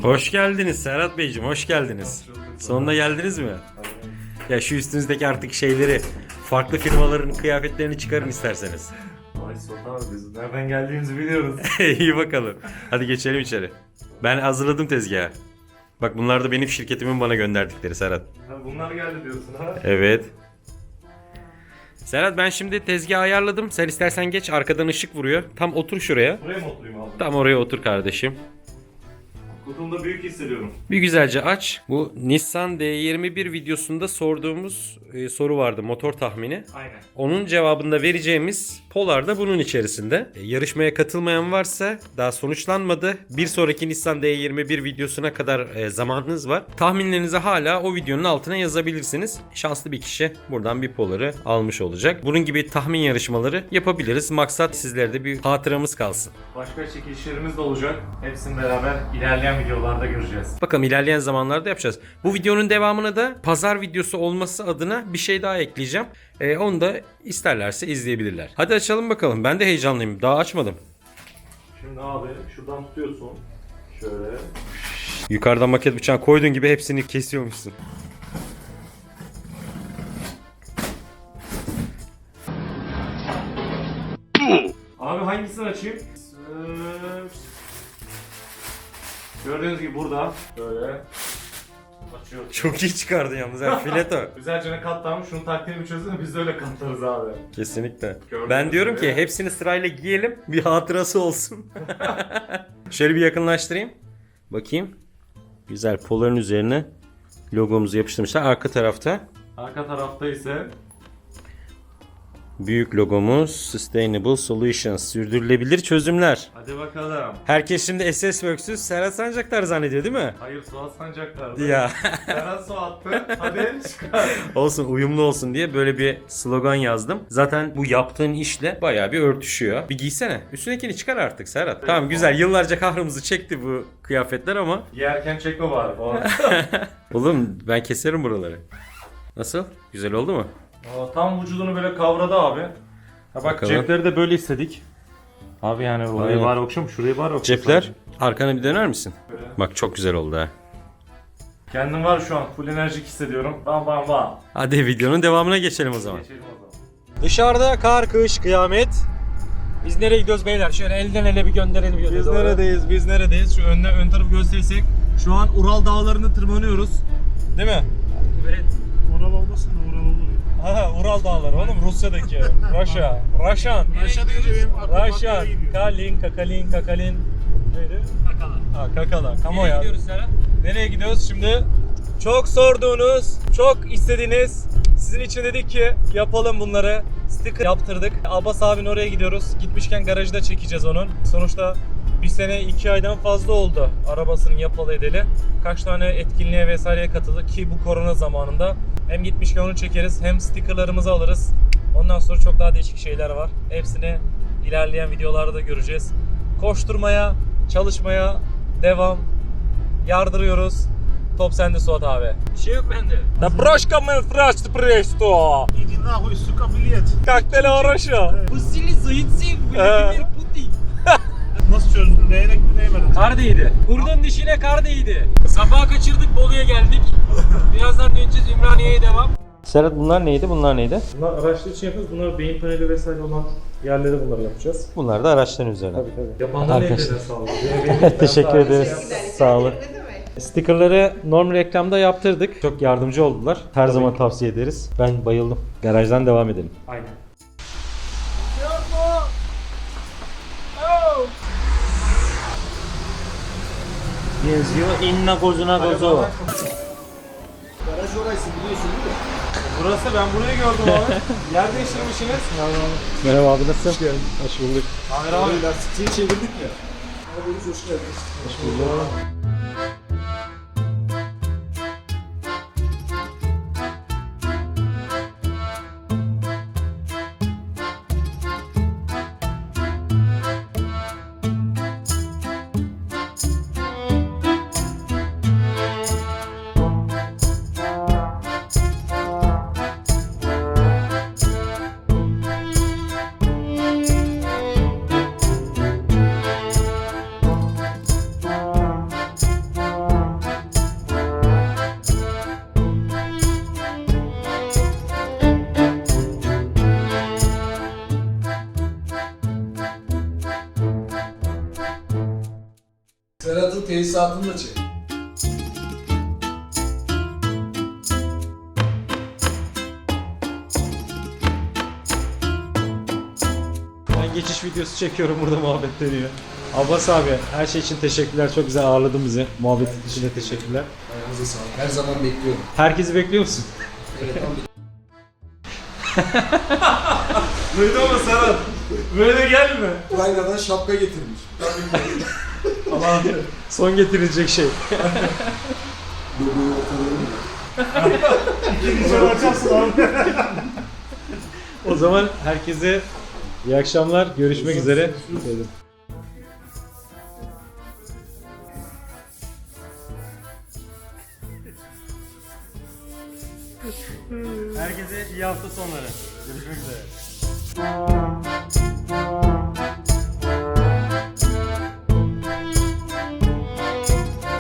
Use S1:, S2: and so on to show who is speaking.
S1: Hoş geldiniz Serhat Beyciğim, hoş geldiniz. Sonunda geldiniz mi? Ya şu üstünüzdeki artık şeyleri, farklı firmaların kıyafetlerini çıkarın isterseniz.
S2: Ay Sultan abi biz nereden geldiğimizi biliyoruz.
S1: İyi bakalım. Hadi geçelim içeri. Ben hazırladım tezgahı. Bak bunlar da benim şirketimin bana gönderdikleri Serhat.
S2: Ha, bunlar geldi diyorsun ha.
S1: Evet. Serhat ben şimdi tezgahı ayarladım. Sen istersen geç, arkadan ışık vuruyor. Tam otur şuraya.
S2: Buraya mı oturayım abi?
S1: Tam oraya otur kardeşim.
S2: Kutumda büyük hissediyorum.
S1: Bir güzelce aç. Bu Nissan D21 videosunda sorduğumuz soru vardı, motor tahmini.
S2: Aynen.
S1: Onun cevabında vereceğimiz Polar da bunun içerisinde. Yarışmaya katılmayan varsa daha sonuçlanmadı. Bir sonraki Nissan D21 videosuna kadar zamanınız var. Tahminlerinizi hala o videonun altına yazabilirsiniz. Şanslı bir kişi buradan bir Polar'ı almış olacak. Bunun gibi tahmin yarışmaları yapabiliriz. Maksat sizlerde bir hatıramız kalsın.
S2: Başka çekilişlerimiz de olacak. Hepsini beraber ilerleyen videolarda göreceğiz.
S1: Bakalım ilerleyen zamanlarda yapacağız. Bu videonun devamına da pazar videosu olması adına bir şey daha ekleyeceğim. Onu da isterlerse izleyebilirler. Hadi açalım bakalım. Ben de heyecanlıyım. Daha açmadım.
S2: Şimdi abi şuradan tutuyorsun. Şöyle.
S1: Yukarıdan maket bıçağı koyduğun gibi hepsini kesiyormuşsun.
S2: Abi hangisini açayım? Gördüğünüz gibi burada böyle açıyoruz.
S1: Çok iyi çıkardın yalnız. Yani fileto.
S2: Güzelce katlanmış. Şunun taktiğini bir çözün de biz de öyle katlarız abi.
S1: Kesinlikle.
S2: Gördüğünüz
S1: Ben diyorum
S2: gibi.
S1: ki hepsini sırayla giyelim. Bir hatırası olsun. Şöyle bir yakınlaştırayım. Bakayım. Güzel. Polar'ın üzerine logomuzu yapıştırmışlar. Arka tarafta
S2: Arka tarafta ise
S1: büyük logomuz Sustainable Solutions. Sürdürülebilir çözümler.
S2: hadi bakalım.
S1: Herkes şimdi SS Works'ü Serhat Sancaktar zannediyor değil mi?
S2: Hayır Suat Sancaklar'da.
S1: Ya
S2: Serhat Suat'tı. Hadi çıkar.
S1: olsun, uyumlu olsun diye böyle bir slogan yazdım. Zaten bu yaptığın işle bayağı bir örtüşüyor. Bir giysene. Üstündekini çıkar artık Serhat. Tamam güzel. Yıllarca kahrımızı çekti bu kıyafetler ama.
S2: Yerken çekme bari falan.
S1: Oğlum ben keserim buraları. Nasıl? Güzel oldu mu?
S2: Tam vücudunu böyle kavradı abi. Ha bak
S1: Bakalım.
S2: cepleri de böyle istedik. Abi yani orayı
S1: Aynen.
S2: bari okşam, şurayı bari okşam.
S1: Cepler. Arkana bir döner misin?
S2: Böyle.
S1: Bak çok güzel oldu ha.
S2: Kendim var şu an full enerjik hissediyorum. Bam bam bam.
S1: Hadi videonun devamına geçelim o zaman.
S2: Geçelim o zaman.
S1: Dışarıda kar, kış, kıyamet. Biz nereye gidiyoruz beyler? Şöyle elden ele bir gönderelim.
S2: Biz neredeyiz? Biz neredeyiz? Şu ön tarafı gösterirsek. Şu an Ural dağlarını tırmanıyoruz. Değil mi?
S1: Evet.
S3: Ural olmasın da Ural olur ya.
S2: Ha Ural dağları oğlum Rusya'daki. Raşan.
S3: Aşağı deyince benim aklım
S2: Raşan.
S3: Pakya'ya gidiyor.
S2: Kakalin. Neydi?
S1: Kakala.
S2: Ha Kakala. Kamu
S1: Nereye
S2: ya.
S1: gidiyoruz Serhat?
S2: Nereye gidiyoruz şimdi? Çok sorduğunuz, çok istediğiniz, sizin için dedik ki yapalım bunları. Sticker yaptırdık. Abbas abinin oraya gidiyoruz. Gitmişken garajı da çekeceğiz onun. Sonuçta bir sene 2 aydan fazla oldu arabasının yapalı edeli. Kaç tane etkinliğe vesaireye katıldı ki bu korona zamanında. Hem gitmişken onu çekeriz hem stickerlarımızı alırız. Ondan sonra çok daha değişik şeyler var. Hepsini ilerleyen videolarda göreceğiz. Koşturmaya, çalışmaya devam. Yardırıyoruz. Top sende Suat abi.
S1: Bir şey yok bende.
S2: Da broşka mı fraştı presto?
S3: Иди нахуй, сука, билет.
S2: Kaktele araşa.
S1: Vasili Zaytsev,
S2: Vladimir
S1: Putin.
S3: Nasıl çözdün? Değerek mi değmedin?
S1: Kar değdi. Kurdun dişine kar değdi. Sabaha kaçırdık, Bolu'ya geldik. Birazdan döneceğiz, Ümraniye'ye devam. Serhat bunlar neydi? Bunlar neydi?
S2: Bunlar araçlar için yapıyoruz. Bunlar beyin paneli vesaire olan yerlere bunları yapacağız.
S1: Bunlar da araçların üzerine.
S2: Tabii. Yapanlar
S1: Arkadaşlar.
S2: ellerine sağlık.
S1: Teşekkür ederiz. Sağ olun.
S4: Ne demek?
S1: Stickerları normal reklamda yaptırdık. Çok yardımcı oldular. Her zaman tavsiye ederiz. Ben bayıldım. Garajdan devam edelim.
S2: Aynen.
S1: Benziyor inna kozuna kozu.
S3: Garaj orası biliyorsun değil mi?
S2: Burası ben burayı gördüm abi. Yer değiştirmişsiniz.
S1: Merhaba abi, nasılsın? Hoş bulduk.
S2: Hayır abi.
S3: Lastikçiyi çevirdik ya. Arabamız hoş geldiniz.
S2: Hoş bulduk.
S3: tesisatını da çek.
S2: Ben geçiş videosu çekiyorum, burada muhabbet dönüyor. Abbas abi her şey için teşekkürler. Çok güzel ağırladın bizi. Muhabbetin için de teşekkürler.
S3: Ayağınıza sağlık. Her zaman bekliyorum.
S2: Herkesi bekliyor musun?
S3: Evet, tam
S2: Duydun mu Serhat? Böyle gelme.
S3: Ukrayna'dan şapka getirmiş.
S2: Aman son getirilecek şey.
S3: Logoyu ortalarına
S2: O zaman herkese iyi akşamlar. Görüşmek üzere. Herkese iyi hafta sonları. Görüşmek üzere.